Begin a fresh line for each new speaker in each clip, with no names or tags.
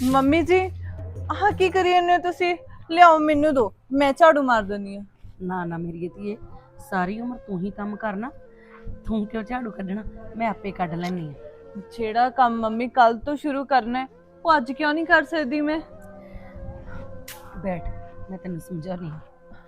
Mummy ਜੀ ਆਹ ਕੀ ਕਰੀ ਜਾਂਦੇ ਹੋ ਤੁਸੀਂ? ਲਿਆਓ ਮੈਨੂੰ ਦੋ, ਮੈਂ ਝਾੜੂ ਮਾਰ ਦਿੰਦੀ ਆ।
ਨਾ ਨਾ ਮੇਰੀ ਧੀਏ, ਸਾਰੀ ਉਮਰ ਤੂੰ ਹੀ ਕੰਮ ਕਰਨਾ। ਤੂੰ ਕਿਉਂ ਝਾੜੂ ਕੱਢਣਾ? ਮੈਂ ਆਪੇ ਕੱਢ ਲੈਣੀ ਆ।
ਜਿਹੜਾ ਕੰਮ ਮੰਮੀ ਕੱਲ ਤੋਂ ਸ਼ੁਰੂ ਕਰਨਾ ਹੈ ਉਹ ਅੱਜ ਕਿਉਂ ਨਹੀਂ ਕਰ ਸਕਦੀ ਮੈਂ?
ਬੈਠ, ਮੈਂ ਤੈਨੂੰ ਸਮਝਾਉਣੀ ਆ।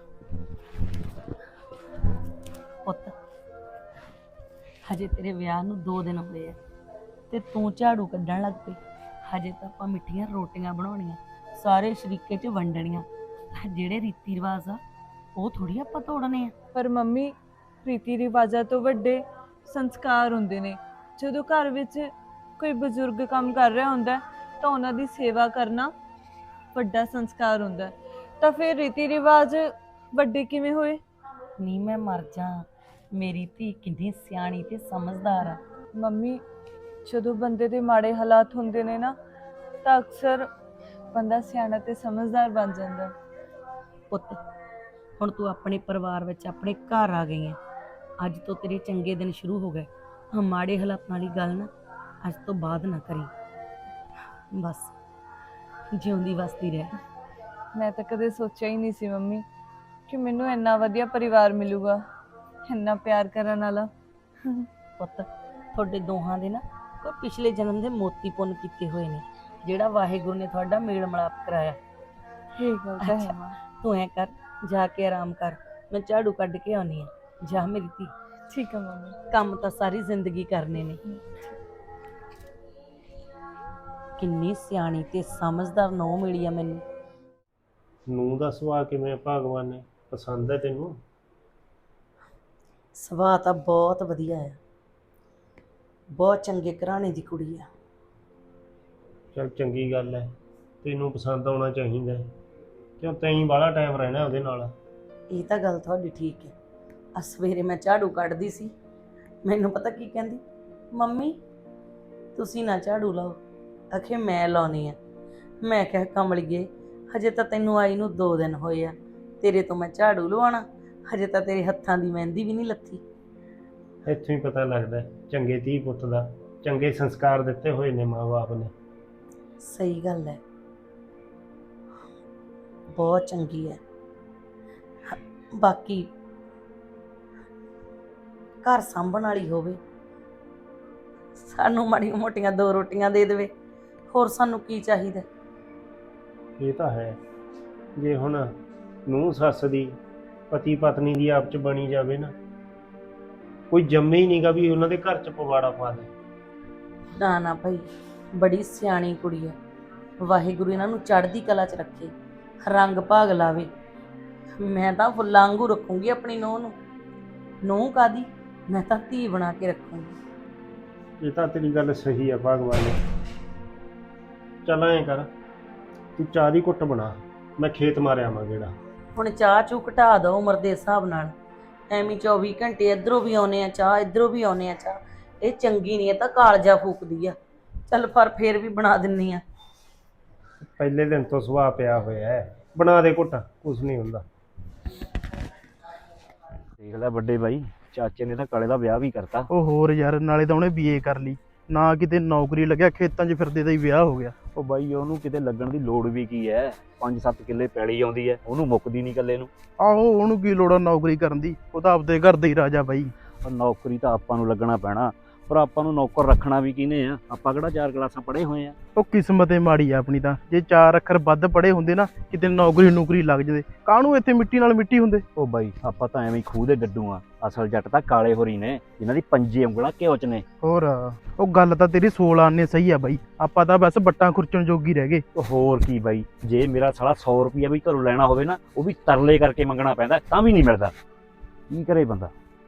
ਪੁੱਤ, ਹਜੇ ਤੇਰੇ ਵਿਆਹ ਨੂੰ 2 ਦਿਨ ਹੋਏ ਆ ਤੇ ਤੂੰ ਝਾੜੂ ਕੱਢਣ ਲੱਗ ਪਈ। ਹਜੇ ਤਾਂ ਆਪਾਂ ਮਿੱਠੀਆਂ ਰੋਟੀਆਂ ਬਣਾਉਣੀਆਂ, ਸਾਰੇ ਸ਼ਰੀਕੇ 'ਚ ਵੰਡਣੀਆਂ। ਜਿਹੜੇ ਰੀਤੀ ਰਿਵਾਜ ਆ ਉਹ ਥੋੜੀ ਆਪਾਂ ਤੋੜਨੇ ਆ।
ਪਰ ਮੰਮੀ, ਰੀਤੀ ਰਿਵਾਜਾਂ ਤੋਂ ਵੱਡੇ ਸੰਸਕਾਰ ਹੁੰਦੇ ਨੇ। ਜਦੋਂ ਘਰ ਵਿੱਚ ਕੋਈ ਬਜ਼ੁਰਗ ਕੰਮ ਕਰ ਰਿਹਾ ਹੁੰਦਾ ਹੈ ਤਾਂ ਉਹਨਾਂ ਦੀ ਸੇਵਾ ਕਰਨਾ ਵੱਡਾ ਸੰਸਕਾਰ ਹੁੰਦਾ ਹੈ। ਤਾਂ ਫਿਰ ਰੀਤੀ ਰਿਵਾਜ ਵੱਡੇ ਕਿਵੇਂ ਹੋਏ?
ਨਹੀਂ ਮੈਂ ਮਰ ਜਾ, ਮੇਰੀ ਧੀ ਕਿੰਨੀ ਸਿਆਣੀ ਤੇ ਸਮਝਦਾਰ ਆ।
ਮੰਮੀ, ਜਦੋਂ ਬੰਦੇ ਦੇ ਮਾੜੇ ਹਾਲਾਤ ਹੁੰਦੇ ਨੇ ਨਾ ਤਾਂ ਅਕਸਰ ਬੰਦਾ ਸਿਆਣਾ ਤੇ ਸਮਝਦਾਰ ਬਣ ਜਾਂਦਾ।
ਪੁੱਤ, ਹੁਣ ਤੂੰ ਆਪਣੇ ਪਰਿਵਾਰ ਵਿੱਚ ਆਪਣੇ ਘਰ ਆ ਗਈ ਹੈ। ਅੱਜ ਤੋਂ ਤੇਰੇ ਚੰਗੇ ਦਿਨ ਸ਼ੁਰੂ ਹੋ ਗਏ। ਆਹ ਮਾੜੇ ਹਾਲਾਤਾਂ ਵਾਲੀ ਗੱਲ ਨਾ ਅੱਜ ਤੋਂ ਬਾਅਦ ਨਾ ਕਰੀ। ਬਸ ਜਿਉਂਦੀ ਵਸਦੀ ਰਹਿ।
ਮੈਂ ਤਾਂ ਕਦੇ ਸੋਚਿਆ ਹੀ ਨਹੀਂ ਸੀ ਮੰਮੀ ਕਿ ਮੈਨੂੰ ਇੰਨਾ ਵਧੀਆ ਪਰਿਵਾਰ ਮਿਲੂਗਾ, ਇੰਨਾ ਪਿਆਰ ਕਰਨ ਵਾਲਾ।
ਪੁੱਤ, ਤੁਹਾਡੇ ਦੋਹਾਂ ਦੇ ਨਾ ਕੋਈ ਪਿਛਲੇ ਜਨਮ ਦੇ ਮੋਤੀ ਪੁੰਨ ਕੀਤੇ ਹੋਏ ਨੇ, ਜਿਹੜਾ ਵਾਹਿਗੁਰੂ ਨੇ ਤੁਹਾਡਾ ਮੇਲ ਮਿਲਾਪ ਕਰਾਇਆ।
ਇਹ ਗੱਲ ਤਾਂ ਹੈ ਮਾਂ।
ਤੂੰ ਐ ਕਰ, ਜਾ ਕੇ ਆਰਾਮ ਕਰ, ਮੈਂ ਝਾੜੂ ਕੱਢ ਕੇ ਆਉਣੀ ਆ। ਜਾ ਮੇਰੀ ਧੀ।
ਠੀਕ ਹੈ ਮੰਮੀ।
ਕੰਮ ਤਾਂ ਸਾਰੀ ਜ਼ਿੰਦਗੀ ਕਰਨੇ ਨੇ। ਕਿੰਨੀ ਸਿਆਣੀ ਤੇ ਸਮਝਦਾਰ ਨੂੰਹ ਮਿਲੀ ਆ ਮੈਨੂੰ।
ਨੂੰਹ ਦਾ ਸੁਭਾਅ ਕਿਵੇਂ ਭਗਵਾਨ ਨੇ ਪਸੰਦ ਹੈ ਤੈਨੂੰ?
ਸੁਭਾਅ ਤਾਂ ਬਹੁਤ ਵਧੀਆ ਆ, ਬਹੁਤ ਚੰਗੇ ਘਰਾਣੇ ਦੀ ਕੁੜੀ ਆ।
ਚਲ ਚੰਗੀ ਗੱਲ ਹੈ, ਤੈਨੂੰ ਪਸੰਦ ਆਉਣਾ ਚਾਹੀਦਾ ਹੈ। ਕਿਉਂ ਤੈਂ ਬਾਹਲਾ ਟਾਈਮ ਰਹਿਣਾ ਉਹਦੇ ਨਾਲ?
ਇਹ ਤਾਂ ਗੱਲ ਤੁਹਾਡੀ ਠੀਕ ਹੈ। ਆ ਸਵੇਰੇ ਮੈਂ ਝਾੜੂ ਕੱਢਦੀ ਸੀ, ਮੈਨੂੰ ਪਤਾ ਕੀ ਕਹਿੰਦੀ, ਮੰਮੀ ਤੁਸੀਂ ਨਾ ਝਾੜੂ ਲਾਓ, ਆਖੇ ਮੈਂ ਲਾਉਣੀ ਆ। ਮੈਂ ਕਿਹਾ ਕਮਲੀਏ, ਹਜੇ ਤਾਂ ਤੈਨੂੰ ਆਈ ਨੂੰ 2 ਦਿਨ ਹੋਏ ਆ, ਤੇਰੇ ਤੋਂ ਮੈਂ ਝਾੜੂ ਲਵਾਉਣਾ? ਹਜੇ ਤਾਂ ਤੇਰੇ ਹੱਥਾਂ ਦੀ ਮਹਿੰਦੀ ਵੀ ਨਹੀਂ ਲੱਥੀ।
ਇੱਥੋਂ ਹੀ ਪਤਾ ਲੱਗਦਾ ਚੰਗੇ ਧੀ ਪੁੱਤ ਦਾ, ਚੰਗੇ ਸੰਸਕਾਰ ਦਿੱਤੇ ਹੋਏ ਨੇ ਮਾਂ-ਬਾਪ ਨੇ।
ਸਹੀ ਗੱਲ ਹੈ, ਬਹੁਤ ਚੰਗੀ ਹੈ। ਬਾਕੀ ਘਰ ਸਾਂਭਣ ਵਾਲੀ ਹੋਵੇ, ਸਾਨੂੰ ਮਾੜੀਆਂ ਮੋਟੀਆਂ 2 ਰੋਟੀਆਂ ਦੇ ਦੇਵੇ, ਹੋਰ ਸਾਨੂੰ ਕੀ ਚਾਹੀਦਾ?
ਇਹ ਤਾਂ ਹੈ, ਜੇ ਹੁਣ ਨੂੰਹ ਸੱਸ ਦੀ, ਪਤੀ ਪਤਨੀ ਦੀ ਆਪ 'ਚ ਬਣੀ ਜਾਵੇ ਨਾ, ਕੋਈ ਜੰਮੇ ਹੀ ਨਹੀਂਗਾ ਵੀ ਉਹਨਾਂ ਦੇ ਘਰ 'ਚ ਪਵਾੜਾ ਪਾ ਦੇ।
ਨਾ ਨਾ ਭਾਈ, ਬੜੀ ਸਿਆਣੀ ਕੁੜੀ ਹੈ। ਵਾਹਿਗੁਰੂ ਇਹਨਾਂ ਨੂੰ ਚੜ੍ਹਦੀ ਕਲਾ 'ਚ ਰੱਖੇ, ਰੰਗ ਭਾਗ ਲਾਵੇ। ਮੈਂ ਤਾਂ ਫੁੱਲਾਂ ਵਾਂਗੂ ਰੱਖੂੰਗੀ ਆਪਣੀ ਨੂੰਹ ਨੂੰ। ਨੂੰਹ ਕਾਦੀ, ਮੈਂ ਤਾਂ ਧੀ ਬਣਾ ਕੇ ਰੱਖੂੰਗੀ।
ਇਹ ਤਾਂ ਤੇਰੀ ਗੱਲ ਸਹੀ ਆ ਭਗਵਾਨ ਨੇ। ਚੱਲ ਐਂ ਕਰ, ਤੂੰ ਚਾਹ ਦੀ ਘੁੱਟ ਬਣਾ, ਮੈਂ ਖੇਤ ਮਾਰਿਆ ਆਵਾਂ ਗੇੜਾ।
ਹੁਣ ਚਾਹ ਚੂ ਘਟਾ ਦਿਓ ਉਮਰ ਦੇ ਹਿਸਾਬ ਨਾਲ। ਐਵੇਂ 24 ਘੰਟੇ ਇੱਧਰੋਂ ਵੀ ਆਉਨੇ ਆ ਚਾਹ, ਇੱਧਰੋਂ ਵੀ ਆਉਨੇ ਆ ਚਾਹ, ਇਹ ਚੰਗੀ ਨਹੀਂ, ਇਹ ਤਾਂ ਕਾਲਜਾ ਫੂਕਦੀ ਆ। ਚੱਲ ਪਰ ਫੇਰ ਵੀ ਬਣਾ ਦਿੰਨੀ ਆ।
ਪਹਿਲੇ ਦਿਨ ਤੋਂ ਸੁਭਾਅ ਪਿਆ ਹੋਇਆ ਹੈ, ਬਣਾ ਦੇ ਘੁੱਟ, ਕੁਛ ਨਹੀਂ ਹੁੰਦਾ।
ਦੇਖ ਲੈ ਵੱਡੇ ਬਾਈ, ਚਾਚੇ ਨੇ ਤਾਂ ਕਾਲੇ ਦਾ ਵਿਆਹ ਵੀ ਕਰਤਾ।
ਉਹ ਹੋਰ ਯਾਰ, ਨਾਲੇ ਤਾਂ ਉਹਨੇ ਬੀਏ ਕਰ ਲਈ, ਨਾ ਕਿਤੇ ਨੌਕਰੀ ਲੱਗਿਆ, ਖੇਤਾਂ 'ਚ ਫਿਰਦੇ ਦਾ ਹੀ ਵਿਆਹ ਹੋ ਗਿਆ।
ਉਹ ਬਾਈ ਉਹਨੂੰ ਕਿਤੇ ਲੱਗਣ ਦੀ ਲੋੜ ਵੀ ਕੀ ਐ? 5-7 ਕਿੱਲੇ ਪੈਲੀ ਆਉਂਦੀ ਐ, ਉਹਨੂੰ ਮੁੱਕਦੀ ਨਹੀਂ ਇਕੱਲੇ ਨੂੰ।
ਆਹੋ, ਉਹਨੂੰ ਕੀ ਲੋੜ ਆ ਨੌਕਰੀ ਕਰਨ ਦੀ, ਉਹ ਤਾਂ ਆਪਦੇ ਘਰ ਦਾ ਹੀ ਰਾਜਾ ਬਾਈ।
ਉਹ ਨੌਕਰੀ ਤਾਂ ਆਪਾਂ ਨੂੰ ਲੱਗਣਾ ਪੈਣਾ, ਪਰ ਆਪਾਂ ਨੂੰ ਨੌਕਰ ਰੱਖਣਾ ਵੀ ਕਿਹਨੇ ਆ? ਆਪਾਂ ਕਿਹੜਾ 4 ਕਲਾਸਾਂ ਪੜ੍ਹੇ ਹੋਏ ਆ?
ਉਹ ਕਿਸਮਤ ਏ ਮਾੜੀ ਆ ਆਪਣੀ ਤਾਂ। ਜੇ 4 ਅੱਖਰ ਵੱਧ ਪੜ੍ਹੇ ਹੁੰਦੇ ਨਾ, ਕਿਤੇ ਨੌਕਰੀ ਲੱਗ ਜਾਂਦੇ। ਕਾਹਨੂੰ ਇੱਥੇ ਮਿੱਟੀ ਨਾਲ ਮਿੱਟੀ ਹੁੰਦੇ।
ਉਹ ਬਾਈ ਆਪਾਂ ਤਾਂ ਐਵੇਂ ਹੀ ਖੂਹ ਦੇ ਡੱਡੂ ਆ, ਅਸਲ ਜੱਟ ਤਾਂ ਕਾਲੇ ਹੋਰੀ ਨੇ, ਜਿਨ੍ਹਾਂ ਦੀ 5 ਉਂਗਲਾਂ ਘਿਓ 'ਚ ਨੇ।
ਹੋਰ ਉਹ ਗੱਲ ਤਾਂ ਤੇਰੀ 16 ਆਨੇ ਸਹੀ ਆ ਬਾਈ, ਆਪਾਂ ਤਾਂ ਬਸ ਬੱਟਾਂ ਖੁਰਚਣ ਜੋਗੀ ਰਹਿ ਗਏ।
ਉਹ ਹੋਰ ਕੀ ਬਾਈ, ਜੇ ਮੇਰਾ ਸਾਲਾ 100 ਰੁਪਈਆ ਵੀ ਘਰੋਂ ਲੈਣਾ ਹੋਵੇ ਨਾ, ਉਹ ਵੀ ਤਰਲੇ ਕਰਕੇ ਮੰਗਣਾ ਪੈਂਦਾ, ਤਾਂ ਵੀ ਨਹੀਂ ਮਿਲਦਾ। ਕੀ ਕਰੇ ਬੰਦਾ?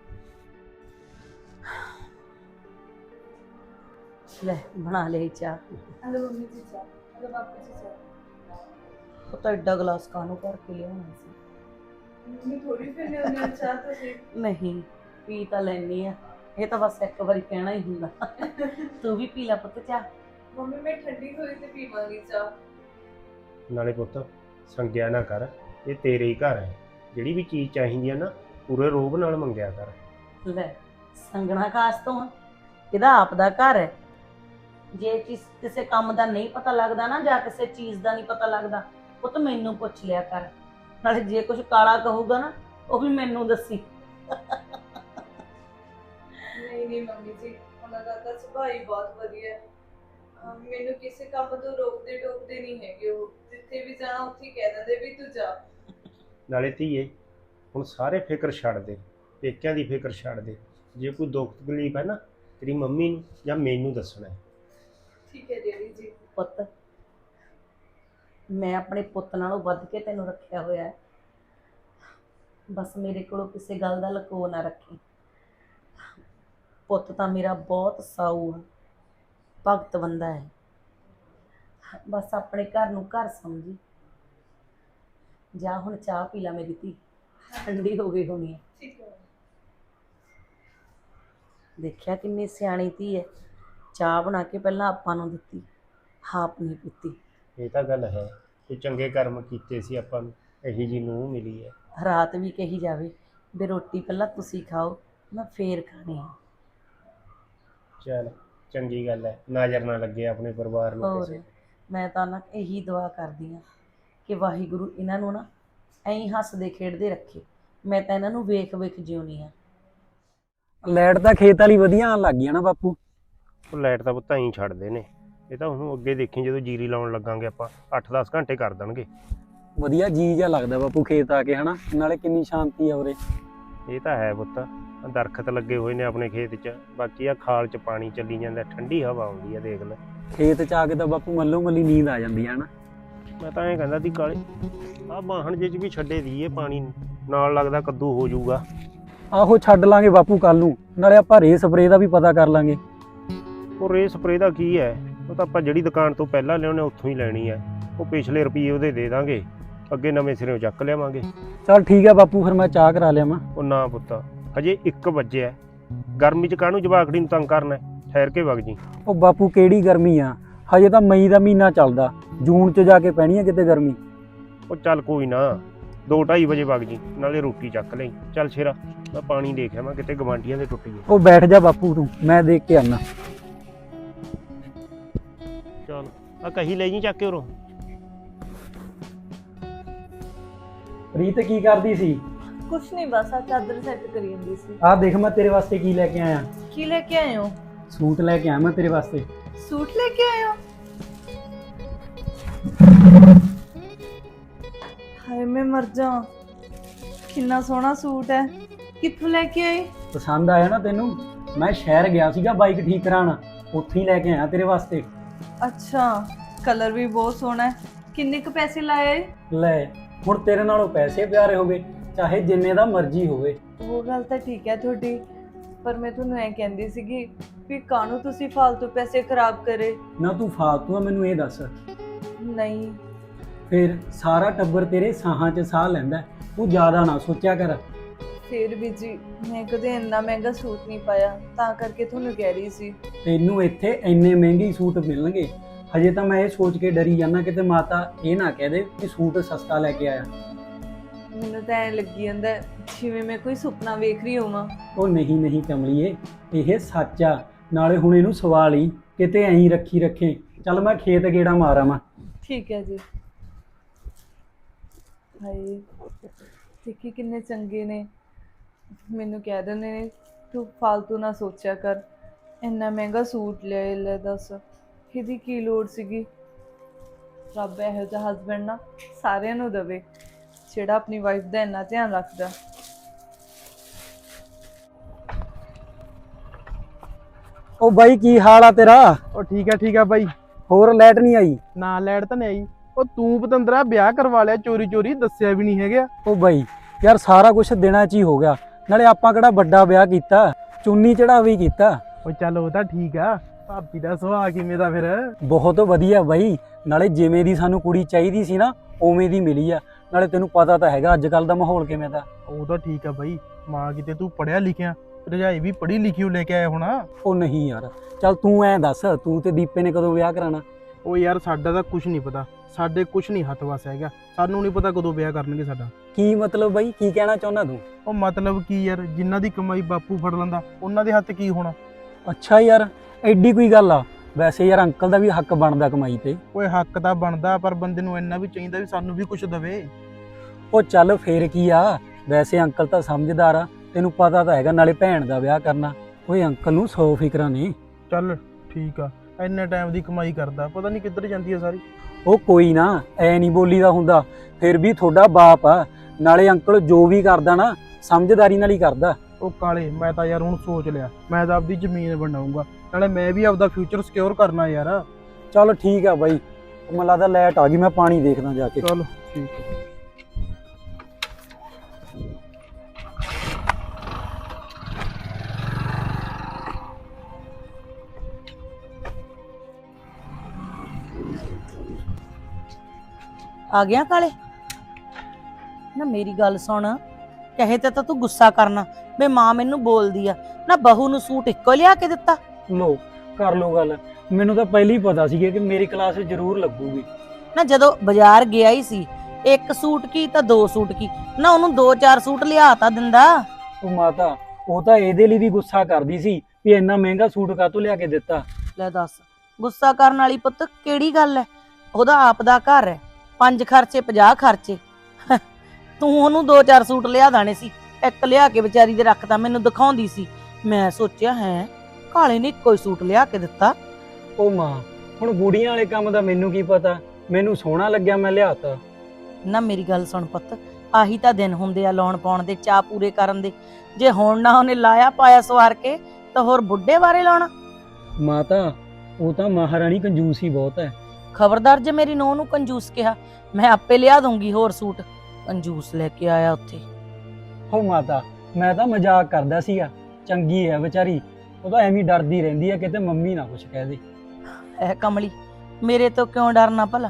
ਲੈ ਬਣਾ ਲਈ ਚਾਹ।
ਹਲੋ ਮੰਮੀ ਜੀ ਚਾਹ, ਹਲੋ ਪਾਪਾ ਜੀ ਚਾਹ।
ਉਹ ਤਾਂ ਐਡਾ ਗਲਾਸ ਕਾਹਨੂੰ ਭਰ ਕੇ ਲਿਆਉਣਾ ਸੀ?
ਮੰਮੀ ਥੋੜੀ ਪੀਣੀ ਹੁੰਦੀ ਹੈ ਚਾਹ ਤੁਸੀਂ?
ਨਹੀਂ, ਪੀ ਤਾਂ ਲੈਣੀ ਆ, ਇਹ ਤਾਂ ਬਸ ਇੱਕ ਵਾਰੀ ਕਹਿਣਾ ਹੀ ਹੁੰਦਾ। ਤੂੰ ਵੀ ਪੀ ਲੈ ਪੁੱਤ ਚਾਹ।
ਮੰਮੀ ਮੈਂ ਠੰਡੀ ਹੋਈ ਤੇ ਪੀਵਾਂਗੀ ਚਾਹ।
ਨਾਲੇ ਪੁੱਤ ਸੰਗਿਆ ਨਾ ਕਰ, ਇਹ ਤੇਰੇ ਹੀ ਘਰ ਹੈ। ਜਿਹੜੀ ਵੀ ਚੀਜ਼ ਚਾਹੀਦੀ ਹੈ ਨਾ, ਪੂਰੇ ਰੋਹਬ ਨਾਲ ਮੰਗਿਆ ਕਰ।
ਲੈ ਸੰਗਣਾ ਕਾਸ ਤੋਂ ਆ, ਇਹਦਾ ਆਪ ਦਾ ਘਰ ਹੈ। ਜੇ ਕਿਸੇ ਕੰਮ ਦਾ ਨਹੀਂ ਪਤਾ ਲੱਗਦਾ ਨਾ, ਜਾਂ ਕਿਸੇ ਚੀਜ਼ ਦਾ ਨਹੀਂ ਪਤਾ ਲੱਗਦਾ, ਉਹ ਤਾਂ ਮੈਨੂੰ ਪੁੱਛ ਲਿਆ ਕਰ। ਨਾਲੇ ਜੇ ਕੁਝ ਕਾਲਾ ਕਹੂਗਾ ਨਾ, ਉਹ ਵੀ ਮੈਨੂੰ ਦੱਸੀ।
ਨਹੀਂ ਨਹੀਂ ਮੰਮੀ ਜੀ, ਉਹਨਾਂ ਦਾ ਤਾਂ ਸੁਭਾਅ ਹੀ ਬਹੁਤ ਵਧੀਆ ਹੈ। ਮੈਨੂੰ ਕਿਸੇ ਕੰਮ ਤੋਂ ਰੋਕਦੇ ਟੋਕਦੇ ਨਹੀਂ ਹੈਗੇ। ਉਹ ਜਿੱਥੇ ਵੀ ਜਾਣਾ ਉੱਥੇ ਕਹਿ ਦਿੰਦੇ ਵੀ ਤੂੰ ਜਾ।
ਨਾਲੇ ਧੀਏ, ਹੁਣ ਸਾਰੇ ਫਿਕਰ ਛੱਡ ਦੇ, ਪੇਕਿਆਂ ਦੀ ਫਿਕਰ ਛੱਡ ਦੇ। ਜੇ ਕੋਈ ਦੁੱਖ ਤਕਲੀਫ ਹੈ ਨਾ, ਤੇਰੀ ਮੰਮੀ ਨੂੰ ਜਾਂ ਮੈਨੂੰ ਦੱਸਣਾ ਹੈ।
ਠੀਕ ਹੈ ਡੈਡੀ ਜੀ।
ਪੁੱਤ, ਮੈਂ ਆਪਣੇ ਪੁੱਤ ਨਾਲੋਂ ਵੱਧ ਕੇ ਤੈਨੂੰ ਰੱਖਿਆ ਹੋਇਆ ਹੈ। ਬਸ ਮੇਰੇ ਕੋਲੋਂ ਕਿਸੇ ਗੱਲ ਦਾ ਲਕੋ ਨਾ ਰੱਖੀ। ਪੁੱਤ ਤਾਂ ਮੇਰਾ ਬਹੁਤ ਸਾਊ ਹੈ, ਭਗਤ ਬੰਦਾ ਹੈ। ਬਸ ਆਪਣੇ ਘਰ ਨੂੰ ਘਰ ਸਮਝੀ। ਜਾ ਹੁਣ ਚਾਹ ਪੀ ਲੈ ਮੇਰੀ ਧੀ, ਠੰਡੀ ਹੋ ਗਈ ਹੋਣੀ ਹੈ।
ਠੀਕ ਹੈ।
ਦੇਖਿਆ ਕਿੰਨੀ ਸਿਆਣੀ ਧੀ ਹੈ, ਚਾਹ ਬਣਾ ਕੇ ਪਹਿਲਾਂ ਆਪਾਂ ਨੂੰ ਦਿੱਤੀ, ਆਪ ਨਹੀਂ ਪੀਤੀ।
ਇਹ ਤਾਂ ਗੱਲ ਹੈ, ਕੋਈ ਚੰਗੇ ਕਰਮ ਕੀਤੇ ਸੀ ਆਪਾਂ ਨੂੰ, ਇਹੀ ਜੀ ਨੂੰਹ ਮਿਲੀ ਹੈ।
ਰਾਤ ਵੀ ਕਹੀ ਜਾਵੇ ਵੀ ਰੋਟੀ ਪਹਿਲਾਂ ਤੁਸੀਂ ਖਾਓ, ਮੈਂ ਫੇਰ ਖਾਣੀ ਹੈ।
ਚੱਲ ਚੰਗੀ ਗੱਲ ਹੈ, ਨਜ਼ਰ ਨਾ ਲੱਗੇ ਆਪਣੇ ਪਰਿਵਾਰ ਨੂੰ
ਹੋਰ
ਕਿਸੇ।
ਮੈਂ ਤਾਂ ਨਾ ਇਹੀ ਦੁਆ ਕਰਦੀ ਹਾਂ ਕਿ ਵਾਹਿਗੁਰੂ ਇਹਨਾਂ ਨੂੰ ਨਾ ਐਂ ਹੀ ਹੱਸਦੇ ਖੇਡਦੇ ਰੱਖੇ। ਮੈਂ ਤਾਂ ਇਹਨਾਂ ਨੂੰ ਵੇਖ ਵੇਖ ਜਿਉਣੀ ਆ।
ਲਾਈਟ ਤਾਂ ਖੇਤ ਵਾਲੀ ਵਧੀਆ ਆਉਣ ਲੱਗ ਗਈ ਆ ਨਾ ਬਾਪੂ।
ਉਹ ਲਾਈਟ ਤਾਂ ਪੁੱਤਾਂ ਹੀ ਛੱਡਦੇ ਨੇ। ਇਹ ਤਾਂ ਹੁਣ ਅੱਗੇ ਦੇਖੀ, ਜਦੋਂ ਜੀਰੀ ਲਾਉਣ ਲੱਗਾਂਗੇ ਆਪਾਂ 8-10 ਘੰਟੇ ਕਰ ਦੇਣਗੇ।
ਵਧੀਆ ਜੀ ਜਿਹਾ ਲੱਗਦਾ ਬਾਪੂ ਖੇਤ ਆ ਕੇ, ਹਨਾ। ਨਾਲੇ ਕਿੰਨੀ ਸ਼ਾਂਤੀ ਆ ਉਰੇ।
ਇਹ ਤਾਂ ਹੈ ਪੁੱਤ, ਆਹ ਦਰਖਤ ਲੱਗੇ ਹੋਏ ਨੇ ਆਪਣੇ ਖੇਤ 'ਚ, ਬਾਕੀ ਆ ਖਾਲ 'ਚ ਪਾਣੀ ਚੱਲੀ ਜਾਂਦਾ, ਠੰਡੀ ਹਵਾ ਆਉਂਦੀ ਆ, ਦੇਖ ਲੈ।
ਖੇਤ ਚ ਆ ਕੇ ਤਾਂ ਬਾਪੂ ਮੱਲੋ ਮੱਲੀ ਨੀਂਦ ਆ ਜਾਂਦੀ ਆ, ਹਨਾ।
ਮੈਂ ਤਾਂ ਐਂ ਕਹਿੰਦਾ ਸੀ ਕਾਲੇ, ਆਹ ਬਾਹਣ ਜੇ 'ਚ ਵੀ ਛੱਡੇ ਦੀਏ ਪਾਣੀ, ਨਾਲ ਲੱਗਦਾ ਕੱਦੂ ਹੋ ਜਾਊਗਾ।
ਆਹੋ ਛੱਡ ਲਾਂਗੇ ਬਾਪੂ ਕੱਲ ਨੂੰ, ਨਾਲੇ ਆਪਾਂ ਰੇ ਸਪਰੇ ਦਾ ਵੀ ਪਤਾ ਕਰ ਲਾਂਗੇ।
ਉਹ ਰੇ ਸਪਰੇ ਦਾ ਕੀ ਹੈ, ਉਹ ਤਾਂ ਆਪਾਂ ਜਿਹੜੀ ਦੁਕਾਨ ਤੋਂ ਪਹਿਲਾਂ ਲਿਆਉਣੇ ਉੱਥੋਂ ਹੀ ਲੈਣੀ ਹੈ। ਉਹ ਪਿਛਲੇ ਰੁਪਏ ਉਹਦੇ ਦੇ ਦਾਂਗੇ, ਅੱਗੇ ਨਵੇਂ ਸਿਰੋਂ ਚੱਕ ਲਿਆਵਾਂਗੇ।
ਚੱਲ ਠੀਕ ਆ ਬਾਪੂ, ਫਿਰ ਮੈਂ ਚਾਹ ਕਰਾ ਲਿਆਵਾਂ।
ਉਹ ਨਾ ਪੁੱਤ, ਹਜੇ 1 ਵਜੇ ਹੈ, ਗਰਮੀ 'ਚ ਕਾਹਨੂੰ ਜਵਾਕੜੀ ਨੂੰ ਤੰਗ ਕਰਨਾ, ਠਹਿਰ ਕੇ ਵਗ ਜੀ।
ਉਹ ਬਾਪੂ ਕਿਹੜੀ ਗਰਮੀ ਆ, ਹਜੇ ਤਾਂ ਮਈ ਦਾ ਮਹੀਨਾ ਚੱਲਦਾ, ਜੂਨ ਚ ਜਾ ਕੇ ਪੈਣੀ ਆ ਕਿਤੇ ਗਰਮੀ।
ਉਹ ਚੱਲ ਕੋਈ ਨਾ, 2-2:30 ਵਜੇ ਵਗ ਜੀ, ਨਾਲੇ ਰੋਟੀ ਚੱਕ ਲਈ। ਚੱਲ ਸ਼ੇਰਾ, ਮੈਂ ਪਾਣੀ ਦੇਖ ਆਵਾਂ, ਕਿਤੇ ਗਵਾਂਢੀਆਂ ਦੇ ਟੁੱਟ ਗਏ।
ਉਹ ਬੈਠ ਜਾ ਬਾਪੂ ਤੂੰ, ਮੈਂ ਦੇਖ ਕੇ ਆਉਣਾ।
ਚੱਲ ਆ ਕਹੀ ਲੈ ਜੀ ਚੱਕ ਕੇ ਉਰੋਂ।
ਰੀਤ ਕੀ ਕਰਦੀ ਸੀ?
ਕੁਛ ਨਹੀਂ, ਬਸ ਆ ਚਾਦਰ ਸੈੱਟ ਕਰੀ ਜਾਂਦੀ ਸੀ।
ਆਹ ਦੇਖ ਮੈਂ ਤੇਰੇ ਵਾਸਤੇ ਕੀ ਲੈ ਕੇ ਆਇਆ।
ਕੀ ਲੈ ਕੇ ਆਏ ਹੋ?
ਸੂਟ ਲੈ ਕੇ ਆਇਆ ਮੈਂ ਤੇਰੇ ਵਾਸਤੇ।
ਸੂਟ ਲੈ ਕੇ ਆਏ ਹੋ? ਹਾਏ ਮੈਂ ਮਰ ਜਾ, ਕਿੰਨਾ ਸੋਹਣਾ ਸੂਟ ਹੈ। ਕਿੱਥੋਂ ਲੈ ਕੇ ਆਏ?
ਪਸੰਦ ਆਇਆ ਨਾ ਤੈਨੂੰ? ਮੈਂ ਸ਼ਹਿਰ ਗਿਆ ਸੀਗਾ ਬਾਈਕ ਠੀਕ ਕਰਾਉਣ, ਉੱਥੇ ਹੀ ਲੈ ਕੇ ਆਇਆ ਤੇਰੇ ਵਾਸਤੇ।
ਅੱਛਾ, ਕਲਰ ਵੀ ਬਹੁਤ ਸੋਹਣਾ ਹੈ। ਕਿੰਨੇ ਕੁ ਪੈਸੇ ਲਾਏ?
ਲੈ ਹੁਣ ਤੇਰੇ ਨਾਲੋਂ ਪੈਸੇ ਪਿਆਰੇ ਹੋ ਗਏ, ਚਾਹੇ ਜਿੰਨੇ ਦਾ ਮਰਜ਼ੀ ਹੋਵੇ।
ਉਹ ਗੱਲ ਤਾਂ ਠੀਕ ਹੈ ਤੁਹਾਡੀ, ਪਰ ਮੈਂ ਤੁਹਾਨੂੰ ਐ ਕਹਿੰਦੀ ਸੀਗੀ ਵੀ ਕਾਹਨੂੰ ਤੁਸੀਂ ਫालतू ਪੈਸੇ ਖਰਾਬ ਕਰੇ।
ਨਾ ਤੂੰ ਫਾਲਤੂ ਆ, ਮੈਨੂੰ ਇਹ ਦੱਸ।
ਨਹੀਂ,
ਫਿਰ ਸਾਰਾ ਟੱਬਰ ਤੇਰੇ ਸਾਹਾਂ 'ਚ ਸਾਹ ਲੈਂਦਾ, ਤੂੰ ਜ਼ਿਆਦਾ ਨਾ ਸੋਚਿਆ ਕਰ।
ਫਿਰ ਵੀ ਜੀ ਮੈਂ ਕਦੇ ਇੰਨਾ ਮਹਿੰਗਾ ਸੂਟ ਨਹੀਂ ਪਾਇਆ, ਤਾਂ ਕਰਕੇ ਤੁਹਾਨੂੰ ਕਹਿ ਰਹੀ ਸੀ।
ਤੈਨੂੰ ਇੱਥੇ ਇੰਨੇ ਮਹਿੰਗੇ ਸੂਟ ਮਿਲਣਗੇ, ਹਜੇ ਤਾਂ ਮੈਂ ਇਹ ਸੋਚ ਕੇ ਡਰੀ ਜਾਂਦਾ ਕਿਤੇ ਮਾਤਾ ਇਹ ਨਾ ਕਹਿ ਦੇ ਕਿ ਸੂਟ ਸਸਤਾ ਲੈ ਕੇ ਆਇਆ।
ਮੈਨੂੰ ਤਾਂ ਐ ਲੱਗੀ ਜਾਂਦਾ ਜਿਵੇਂ ਮੈਂ ਕੋਈ ਸੁਪਨਾ ਵੇਖ ਰਹੀ ਹੋਵਾਂ।
ਉਹ ਨਹੀਂ ਨਹੀਂ ਕਮਲੀਏ, ਇਹ ਸੱਚ ਆ। ਨਾਲੇ ਹੁਣ ਇਹਨੂੰ ਸਵਾ ਲਈ, ਕਿਤੇ ਐਂ ਰੱਖੀ ਰੱਖੇ। ਚੱਲ ਮੈਂ ਖੇਤ ਗੇੜਾ ਮਾਰਾਂ ਮੈਂ।
ਠੀਕ ਹੈ ਜੀ। ਹਾਏ ਦੇਖੀ ਕਿੰਨੇ ਚੰਗੇ ਨੇ, ਮੈਨੂੰ ਕਹਿ ਦਿੰਦੇ ਨੇ ਤੂੰ ਫालतू ਨਾ ਸੋਚਿਆ ਕਰ, ਇੰਨਾ ਮਹਿੰਗਾ ਸੂਟ ਲੈ ਦੱਸ ਇਹਦੀ ਕੀ ਲੋੜ ਸੀਗੀ। ਰੱਬ ਇਹੋ ਜਿਹਾ ਹਸਬੈਂਡ ਨਾ ਸਾਰਿਆਂ ਨੂੰ ਦੇਵੇ ਜਿਹੜਾ ਆਪਣੀ ਵਾਈਫ ਦਾ ਇੰਨਾ ਧਿਆਨ ਰੱਖਦਾ।
ਉਹ ਬਾਈ ਕੀ ਹਾਲ ਆ ਤੇਰਾ?
ਉਹ ਠੀਕ ਆ ਬਾਈ।
ਹੋਰ ਲਾਈਟ ਨਹੀਂ ਆਈ?
ਨਾ ਲਾਈਟ ਤਾਂ ਨਹੀਂ ਆਈ। ਉਹ ਤੂੰ ਪਤੰਦਰਾ ਵਿਆਹ ਕਰਵਾ ਲਿਆ ਚੋਰੀ ਚੋਰੀ, ਦੱਸਿਆ ਵੀ ਨਹੀਂ ਹੈਗਾ।
ਉਹ ਬਾਈ ਯਾਰ ਸਾਰਾ ਕੁਝ ਦਿਨਾਂ 'ਚ ਹੀ ਹੋ ਗਿਆ, ਨਾਲੇ ਆਪਾਂ ਕਿਹੜਾ ਵੱਡਾ ਵਿਆਹ ਕੀਤਾ, ਚੁੰਨੀ ਚੜਾਵਾ ਹੀ ਕੀਤਾ।
ਉਹ ਚੱਲ ਉਹ ਤਾਂ ਠੀਕ ਆ, ਭਾਬੀ ਦਾ ਸੁਭਾਅ ਕਿਵੇਂ ਦਾ ਫਿਰ?
ਬਹੁਤ ਵਧੀਆ ਬਾਈ, ਨਾਲੇ ਜਿਵੇਂ ਦੀ ਸਾਨੂੰ ਕੁੜੀ ਚਾਹੀਦੀ ਸੀ ਨਾ ਉਵੇਂ ਦੀ ਮਿਲੀ ਆ। ਨਾਲੇ ਤੈਨੂੰ ਪਤਾ ਤਾਂ ਹੈਗਾ ਅੱਜ ਕੱਲ ਦਾ ਮਾਹੌਲ ਕਿਵੇਂ ਦਾ।
ਉਹ ਤਾਂ ਠੀਕ ਆ ਬਾਈ, ਮਾਂ ਕਿਤੇ ਤੂੰ ਪੜਿਆ ਲਿਖਿਆ, ਰਜਾਈ ਵੀ ਪੜ੍ਹੀ ਲਿਖੀ ਉਹ ਲੈ ਕੇ ਆਇਆ ਹੋਣਾ।
ਉਹ ਨਹੀਂ ਯਾਰ, ਚੱਲ ਤੂੰ ਐਂ ਦੱਸ, ਤੂੰ ਤੇ ਦੀਪੇ ਨੇ ਕਦੋਂ ਵਿਆਹ ਕਰਾਣਾ?
ਉਹ ਯਾਰ ਸਾਡਾ ਤਾਂ ਕੁਝ ਨਹੀਂ ਪਤਾ, ਸਾਡੇ ਕੁਝ ਨਹੀਂ ਹੱਥ ਵਸ ਹੈਗਾ, ਸਾਨੂੰ ਨਹੀਂ ਪਤਾ ਕਦੋਂ ਵਿਆਹ ਕਰਨਗੇ ਸਾਡਾ।
ਕੀ ਮਤਲਬ ਬਾਈ, ਕੀ ਕਹਿਣਾ ਚਾਹੁੰਦਾ ਤੂੰ?
ਉਹ ਮਤਲਬ ਕੀ ਯਾਰ, ਜਿਨ੍ਹਾਂ ਦੀ ਕਮਾਈ ਬਾਪੂ ਫੜ ਲੈਂਦਾ ਉਹਨਾਂ ਦੇ ਹੱਥ ਕੀ ਹੋਣਾ।
ਅੱਛਾ ਯਾਰ, ਐਡੀ ਕੋਈ ਗੱਲ ਆ? ਵੈਸੇ ਯਾਰ ਅੰਕਲ ਦਾ ਵੀ ਹੱਕ ਬਣਦਾ ਕਮਾਈ ਤੇ।
ਓਏ ਹੱਕ ਤਾਂ ਬਣਦਾ, ਪਰ ਬੰਦੇ ਨੂੰ ਇੰਨਾ ਵੀ ਚਾਹੀਦਾ ਵੀ ਸਾਨੂੰ ਵੀ ਕੁਝ ਦਵੇ।
ਉਹ ਚੱਲ ਫੇਰ ਕੀ ਆ, ਵੈਸੇ ਅੰਕਲ ਤਾਂ ਸਮਝਦਾਰ ਆ, ਤੈਨੂੰ ਪਤਾ ਤਾਂ ਹੈਗਾ, ਨਾਲੇ ਭੈਣ ਦਾ ਵਿਆਹ ਕਰਨਾ। ਓਏ ਅੰਕਲ ਨੂੰ 100 ਫਿਕਰਾਂ ਨੇ।
ਚੱਲ ਠੀਕ ਆ, ਇੰਨੇ ਟਾਈਮ ਦੀ ਕਮਾਈ ਕਰਦਾ, ਪਤਾ ਨਹੀਂ ਕਿੱਧਰ ਜਾਂਦੀ ਆ ਸਾਰੀ।
ਉਹ ਕੋਈ ਨਾ, ਐ ਨਹੀਂ ਬੋਲੀਦਾ ਹੁੰਦਾ, ਫਿਰ ਵੀ ਤੁਹਾਡਾ ਬਾਪ ਆ, ਨਾਲੇ ਅੰਕਲ ਜੋ ਵੀ ਕਰਦਾ ਨਾ ਸਮਝਦਾਰੀ ਨਾਲ ਹੀ ਕਰਦਾ।
ਉਹ ਕਾਲੇ, ਮੈਂ ਤਾਂ ਯਾਰ ਹੁਣ ਸੋਚ ਲਿਆ, ਮੈਂ ਤਾਂ ਆਪਦੀ ਜ਼ਮੀਨ ਬਣਾਉਂਗਾ, ਨਾਲੇ ਮੈਂ ਵੀ ਆਪਦਾ ਫਿਊਚਰ ਸਿਕਿਉਰ ਕਰਨਾ ਯਾਰ।
ਚੱਲ ਠੀਕ ਆ ਬਾਈ, ਮੈਨੂੰ ਲੱਗਦਾ ਲਾਈਟ ਆ ਗਈ, ਮੈਂ ਪਾਣੀ ਦੇਖਦਾ ਜਾ ਕੇ।
ਚਲ ਠੀਕ ਆ।
ਆ ਗਿਆ ਕਾਲੇ? ਨਾ ਮੇਰੀ ਗੱਲ ਸੁਣ, ਕਹੇ ਤੇ ਤਾਂ ਤੂੰ ਗੁੱਸਾ ਕਰਨਾ ਬੇ ਮਾਂ ਮੈਨੂੰ ਬੋਲਦੀ ਆ ਨਾ, ਬਹੂ ਨੂੰ ਸੂਟ ਇੱਕੋ ਲਿਆ ਕੇ ਦਿੱਤਾ।
ਲੋ ਕਰ ਲੋ ਗੱਲ, ਮੈਨੂੰ ਤਾਂ ਪਹਿਲਾਂ ਹੀ ਪਤਾ ਸੀ ਕਿ ਮੇਰੀ ਕਲਾਸ ਜ਼ਰੂਰ ਲੱਗੂਗੀ।
ਨਾ ਜਦੋਂ ਬਾਜ਼ਾਰ ਗਿਆ ਹੀ ਸੀ, ਇੱਕ ਸੂਟ ਕੀ ਤਾਂ 2 ਸੂਟ ਕੀ, ਨਾ ਉਹਨੂੰ 2-4 ਸੂਟ ਲਿਆ ਤਾਂ ਦਿੰਦਾ।
ਉਹ ਮਾਤਾ, ਉਹ ਤਾਂ ਇਹਦੇ ਲਈ ਵੀ ਗੁੱਸਾ ਕਰਦੀ ਸੀ ਵੀ ਇੰਨਾ ਮਹਿੰਗਾ ਸੂਟ ਕਾਹਤੋਂ ਲਿਆ ਕੇ ਦਿੱਤਾ।
ਲੈ ਦੱਸ, ਗੁੱਸਾ ਕਰਨ ਵਾਲੀ ਪੁੱਤ ਕਿਹੜੀ ਗੱਲ ਹੈ? ਉਹਦਾ ਆਪ ਦਾ ਘਰ ਹੈ, 5 ਖਰਚੇ 50 ਖਰਚੇ। ਤੂੰ ਉਹਨੂੰ 2-4 ਸੂਟ ਲਿਆ ਦਾਣੇ ਸੀ, ਇੱਕ ਲਿਆ ਕੇ ਵਿਚਾਰੀ ਦੇ ਰੱਖਤਾ, ਮੈਨੂੰ ਦਿਖਾਉਂਦੀ ਸੀ। ਮੈਂ ਸੋਚਿਆ ਹੈ ਕਾਲੇ ਨੇ ਇੱਕੋ ਹੀ ਸੂਟ ਲਿਆ ਕੇ ਦਿੱਤਾ।
ਉਹ ਮਾਂ, ਹੁਣ ਬੁੜੀਆਂ ਵਾਲੇ ਕੰਮ ਦਾ ਮੈਨੂੰ ਕੀ ਪਤਾ, ਮੈਨੂੰ ਸੋਹਣਾ ਲੱਗਿਆ ਮੈਂ ਲਿਆਤਾ।
ਨਾ ਮੇਰੀ ਗੱਲ ਸੁਣ ਪੁੱਤ, ਆਹੀ ਤਾਂ ਦਿਨ ਹੁੰਦੇ ਆ ਲਾਉਣ ਪਾਉਣ ਦੇ, ਚਾਅ ਪੂਰੇ ਕਰਨ ਦੇ। ਜੇ ਹੁਣ ਨਾ ਉਹਨੇ ਲਾਇਆ ਪਾਇਆ ਸਵਾਰ ਕੇ, ਤਾਂ ਹੋਰ ਬੁੱਢੇ ਬਾਰੇ ਲਾਉਣਾ।
ਮਾਤਾ, ਉਹ ਤਾਂ ਮਹਾਰਾਣੀ ਕੰਜੂਸ ਹੀ ਬਹੁਤ ਹੈ।
ਖਬਰਦਾਰ ਜੇ ਮੇਰੀ ਨੂੰਹ ਨੂੰ ਕੰਜੂਸ ਕਿਹਾ, ਮੈਂ ਆਪੇ ਲਿਆ ਦੂੰਗੀ ਹੋਰ ਸੂਟ। ਕੰਜੂਸ ਲੈ ਕੇ ਆਇਆ ਉੱਥੇ।
ਹੋ ਮਾਤਾ, ਮੈਂ ਤਾਂ ਮਜ਼ਾਕ ਕਰਦਾ ਸੀਗਾ, ਚੰਗੀ ਹੈ ਵਿਚਾਰੀ, ਉਹ ਤਾਂ ਐਵੇਂ ਡਰਦੀ ਰਹਿੰਦੀ ਹੈ ਕਿਤੇ ਮੰਮੀ ਨਾ ਕੁਛ ਕਹਿ ਦੇ।
ਐ ਕਮਲੀ, ਮੇਰੇ ਤੋਂ ਕਿਉਂ ਡਰਨਾ ਭਲਾ?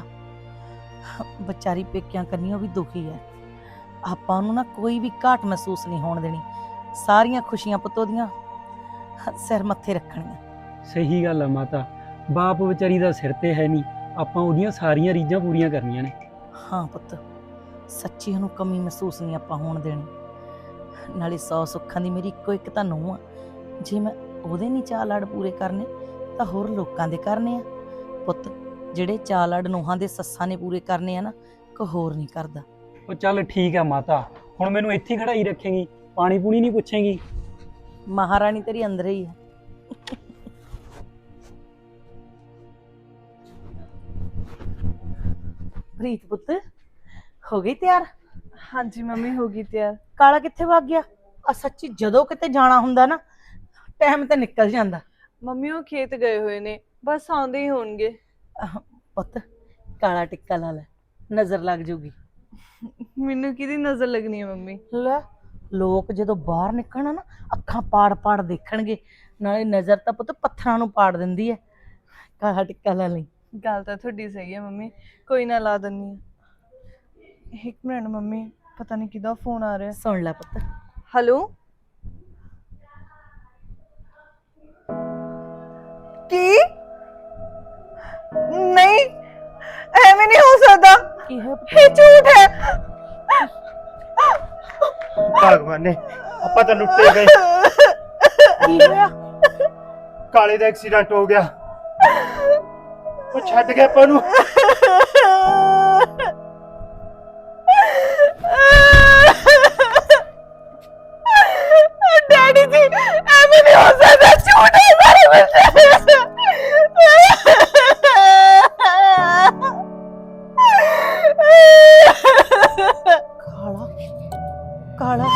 ਵਿਚਾਰੀ ਪੇਕਿਆਂ ਕੰਨੀਓ ਵੀ ਦੁਖੀ ਹੈ, ਆਪਾਂ ਉਹਨੂੰ ਨਾ ਕੋਈ ਵੀ ਘਾਟ ਮਹਿਸੂਸ ਨਹੀਂ ਹੋਣ ਦੇਣੀ, ਸਾਰੀਆਂ ਖੁਸ਼ੀਆਂ ਪੁੱਤ ਦੀਆਂ ਸਿਰ ਮੱਥੇ ਰੱਖਣੀਆਂ।
ਸਹੀ ਗੱਲ ਆ ਮਾਤਾ, ਬਾਪ ਵਿਚਾਰੀ ਦਾ ਸਿਰ ਤੇ ਹੈ ਨਹੀਂ, ਆਪਾਂ ਉਹਦੀਆਂ ਸਾਰੀਆਂ ਰੀਝਾਂ ਪੂਰੀਆਂ ਕਰਨੀਆਂ ਨੇ।
ਹਾਂ ਪੁੱਤ, ਸੱਚੀ ਉਹਨੂੰ ਕਮੀ ਮਹਿਸੂਸ ਨਹੀਂ ਆਪਾਂ ਹੋਣ ਦੇਣੀ। ਨਾਲੇ 100 ਸੁੱਖਾਂ ਦੀ ਮੇਰੀ ਇੱਕੋ ਇੱਕ ਤਾਂ ਨੂੰਹ ਆ, ਜੇ ਮੈਂ ਉਹਦੇ ਨਹੀਂ ਚਾਅ ਲੜ ਪੂਰੇ ਕਰਨੇ ਤਾਂ ਹੋਰ ਲੋਕਾਂ ਦੇ ਕਰਨੇ ਆ। ਪੁੱਤ, ਜਿਹੜੇ ਚਾਅ ਲੜ ਨੂੰਹਾਂ ਦੇ ਸੱਸਾਂ ਨੇ ਪੂਰੇ ਕਰਨੇ ਆ ਨਾ, ਕੋਈ ਹੋਰ ਨਹੀਂ ਕਰਦਾ।
ਉਹ ਚੱਲ ਠੀਕ ਆ ਮਾਤਾ, ਹੁਣ ਮੈਨੂੰ ਇੱਥੇ ਹੀ ਖੜਾਈ ਰੱਖੇਂਗੀ, ਪਾਣੀ ਪੂਣੀ ਨਹੀਂ ਪੁੱਛੇਂਗੀ?
ਮਹਾਰਾਣੀ ਤੇਰੀ ਅੰਦਰ ਹੀ ਹੈ। ਪ੍ਰੀਤ ਪੁੱਤ, ਹੋ ਗਈ ਤਿਆਰ?
ਹਾਂਜੀ ਮੰਮੀ, ਹੋ ਗਈ ਤਿਆਰ।
ਕਾਲਾ ਕਿੱਥੇ ਵਗ ਗਿਆ? ਆ ਸੱਚੀ ਜਦੋਂ ਕਿਤੇ ਜਾਣਾ ਹੁੰਦਾ ਨਾ, ਟਾਈਮ ਤੇ ਨਿਕਲ ਜਾਂਦਾ।
ਮੰਮੀ ਉਹ ਖੇਤ ਗਏ ਹੋਏ ਨੇ, ਬਸ ਆਉਂਦੇ ਹੀ ਹੋਣਗੇ।
ਪੁੱਤ, ਕਾਲਾ ਟਿੱਕਾ ਲਾ ਲੈ, ਨਜ਼ਰ ਲੱਗ ਜੂਗੀ।
ਮੈਨੂੰ ਕਿਹਦੀ ਨਜ਼ਰ ਲੱਗਣੀ ਹੈ ਮੰਮੀ?
ਲੈ, ਲੋਕ ਜਦੋਂ ਬਾਹਰ ਨਿਕਲਣਾ ਨਾ, ਅੱਖਾਂ ਪਾੜ ਪਾੜ ਦੇਖਣਗੇ, ਨਾਲੇ ਨਜ਼ਰ ਤਾਂ ਪੁੱਤ ਪੱਥਰਾਂ ਨੂੰ ਪਾੜ ਦਿੰਦੀ ਹੈ। ਕਾਲਾ ਟਿੱਕਾ ਲਾ ਲਈ।
ਗੱਲ ਤਾਂ ਤੁਹਾਡੀ ਸਹੀ ਹੈ ਮੰਮੀ, ਕੋਈ ਨਾ ਲਾ ਦਿੰਨੀ ਆ। ਇੱਕ ਮਿੰਟ ਮੰਮੀ, ਪਤਾ ਨਹੀਂ ਕਿਹਦਾ ਫੋਨ ਆ ਰਿਹਾ।
ਸੁਣ ਲੈ ਪੁੱਤ।
ਹੈਲੋ, ਕੀ? ਨਹੀਂ, ਐਵੇਂ ਨਹੀਂ ਹੋ ਸਕਦਾ,
ਕੀ ਹੈ?
ਇਹ ਝੂਠ ਹੈ।
ਭਗਵਾਨ ਨੇ, ਆਪਾਂ ਤਾਂ ਲੁੱਟੇ ਗਏ।
ਕੀ ਹੋਇਆ?
ਕਾਲੇ ਦਾ ਐਕਸੀਡੈਂਟ ਹੋ ਗਿਆ, ਉਹ ਛੱਡ ਗਿਆ ਆਪਾਂ ਨੂੰ।
ਡੈਡੀ ਜੀ, ਐਵੇਂ ਨਹੀਂ ਹੋ ਸਕਦਾ, ਝੂਠ ਹੈ ਸਾਰੇ ਵਿੱਚ।
ਕਾਲਾ,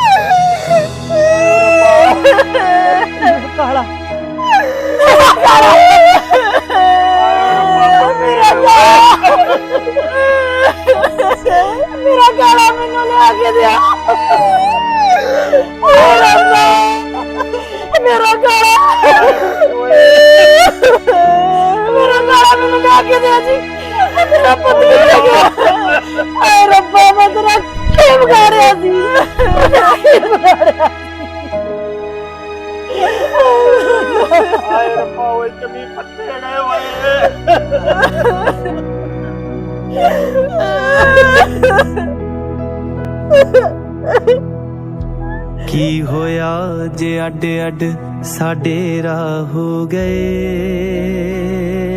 ਕਾਲਾ, ਕਾਲਾ, ਮੇਰਾ ਕਾਲਾ ਮੈਨੂੰ ਲਿਆ ਕੇ ਦਿਆ। ਮੇਰਾ ਕਾਲਾ, ਮੇਰਾ ਕਾਲਾ ਮੈਨੂੰ ਲਿਆ ਕੇ ਦਿਆ ਜੀ। ਮੇਰਾ ਪੁੱਤ ਕਿੱਥੇ ਗਿਆ? ਆਏ ਰੱਬਾ, ਮੈਂ ਤੇਰਾ ਕੀ ਵਿਗਾੜਿਆ ਸੀ?
ਆਏ ਰੱਬਾ, ਓਏ ਜਮੀ ਪੱਤੇ ਗਏ ਓਏ।
ਕੀ ਹੋਇਆ ਜੇ ਅੱਡ ਅੱਡ ਸਾਡੇ ਰਾਹ ਹੋ ਗਏ।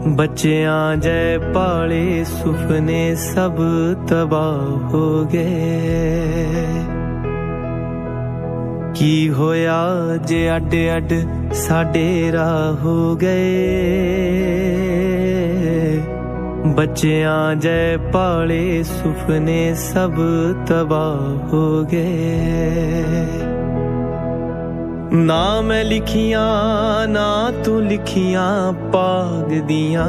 ਬੱਚਿਆਂ ਜੈ ਪਾਲੇ ਸੁਪਨੇ ਸਭ ਤਬਾਹ ਹੋ ਗਏ। ਕੀ ਹੋਇਆ ਜੇ ਅੱਡ ਅੱਡ ਸਾਡੇ ਰਾਹ ਹੋ ਗਏ। ਬੱਚਿਆਂ ਜੈ ਪਾਲੇ ਸੁਪਨੇ ਸਭ ਤਬਾਹ ਹੋ ਗਏ। ਨਾ ਮੈਂ ਲਿਖੀਆਂ ਨਾ ਤੂੰ ਲਿਖੀਆਂ ਪਾਗ ਦੀਆਂ,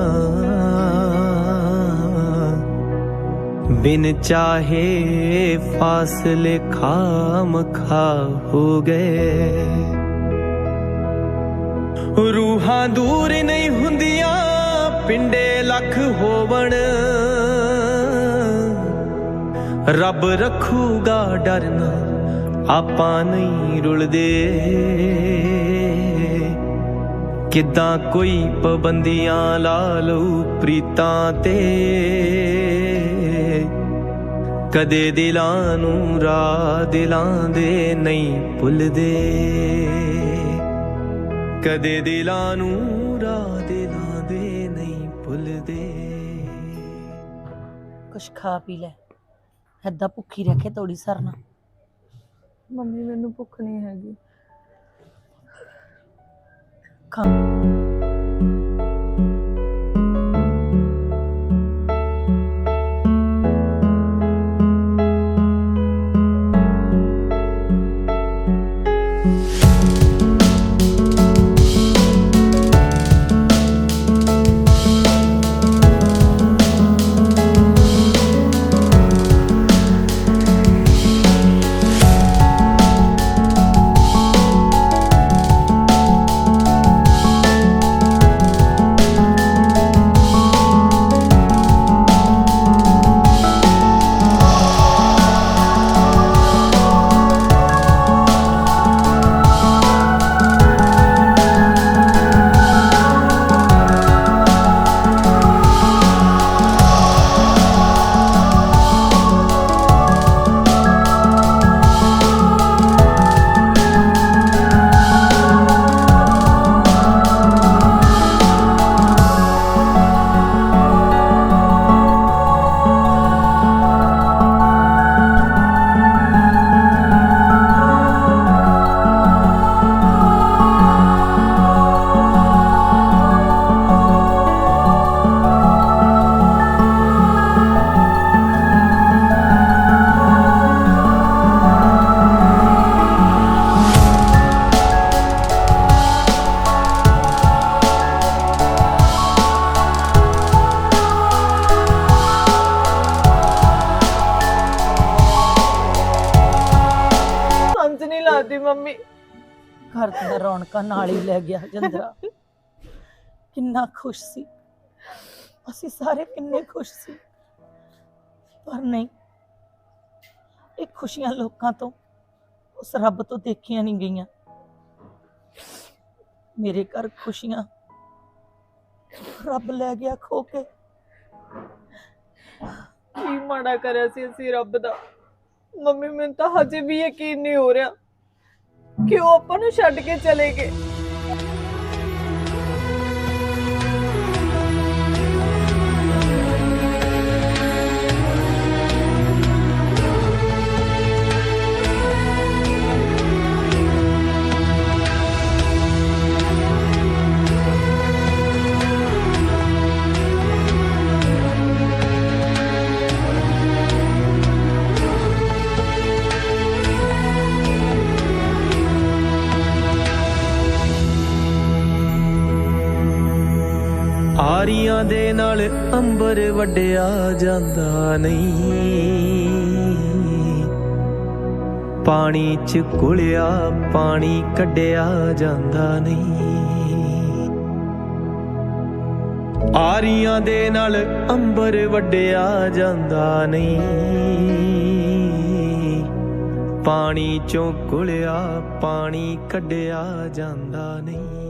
ਬਿਨ ਚਾਹੇ ਫਾਸਲੇ ਖਾਮ ਖਾ ਹੋ ਗਏ। ਰੂਹਾਂ ਦੂਰ ਨਹੀਂ ਹੁੰਦੀਆਂ ਪਿੰਡੇ ਲੱਖ ਹੋਵਣ, ਰੱਬ ਰੱਖੂਗਾ ਡਰਨਾ ਆਪਾਂ ਨਹੀਂ ਰੁਲਦੇ। ਕਿੱਦਾਂ ਕੋਈ ਪਾਬੰਦੀਆਂ ਲਾ ਲਊ ਪ੍ਰੀਤਾਂ ਤੇ, ਕਦੇ ਦਿਲਾਂ ਨੂੰ ਰਾਹ ਦਿਲਾਂ ਦੇ ਨਹੀਂ ਭੁੱਲਦੇ। ਕਦੇ ਦਿਲਾਂ ਨੂੰ ਰਾਹ ਦਿਲਾਂ ਦੇ ਨਹੀਂ ਭੁੱਲਦੇ।
ਕੁਛ ਖਾ ਪੀ ਲੈ, ਏਦਾਂ ਭੁੱਖੀ ਰਹਿ ਕੇ ਤੋੜੀ ਸਰਨਾ।
ਮੰਮੀ ਮੈਨੂੰ ਭੁੱਖ ਨਹੀਂ ਹੈਗੀ।
ਖਾ
ਲਾਦੀ ਮੰਮੀ।
ਘਰ ਦੀਆਂ ਰੌਣਕਾਂ ਨਾਲ ਹੀ ਲੈ ਗਿਆ ਜਿੰਦਰਾ। ਕਿੰਨਾ ਖੁਸ਼ ਸੀ ਅਸੀਂ ਸਾਰੇ, ਕਿੰਨੇ ਖੁਸ਼ ਸੀ। ਪਰ ਨਹੀਂ, ਇਹ ਖੁਸ਼ੀਆਂ ਲੋਕਾਂ ਤੋਂ, ਉਸ ਰੱਬ ਤੋਂ ਦੇਖੀਆਂ ਨਹੀਂ ਗਈਆਂ। ਮੇਰੇ ਘਰ ਖੁਸ਼ੀਆਂ ਰੱਬ ਲੈ ਗਿਆ ਖੋ ਕੇ।
ਕੀ ਮਾੜਾ ਕਰਿਆ ਸੀ ਅਸੀਂ ਰੱਬ ਦਾ। ਮੰਮੀ ਮੈਨੂੰ ਤਾਂ ਹਜੇ ਵੀ ਯਕੀਨ ਨਹੀਂ ਹੋ ਰਿਹਾ ਕਿ ਉਹ ਆਪਾਂ ਨੂੰ ਛੱਡ ਕੇ ਚਲੇ ਗਏ।
ਆਰੀਆਂ ਦੇ ਨਾਲ ਅੰਬਰ ਵੱਡਿਆ ਜਾਂਦਾ ਨਹੀਂ, ਪਾਣੀ ਚ ਘੁਲਿਆ ਪਾਣੀ ਕੱਢਿਆ ਜਾਂਦਾ ਨਹੀਂ। ਆਰੀਆਂ ਦੇ ਨਾਲ ਅੰਬਰ ਵੱਡਿਆ ਜਾਂਦਾ ਨਹੀਂ, ਪਾਣੀ ਚੋਂ ਘੁਲਿਆ ਪਾਣੀ ਕੱਢਿਆ ਜਾਂਦਾ ਨਹੀਂ।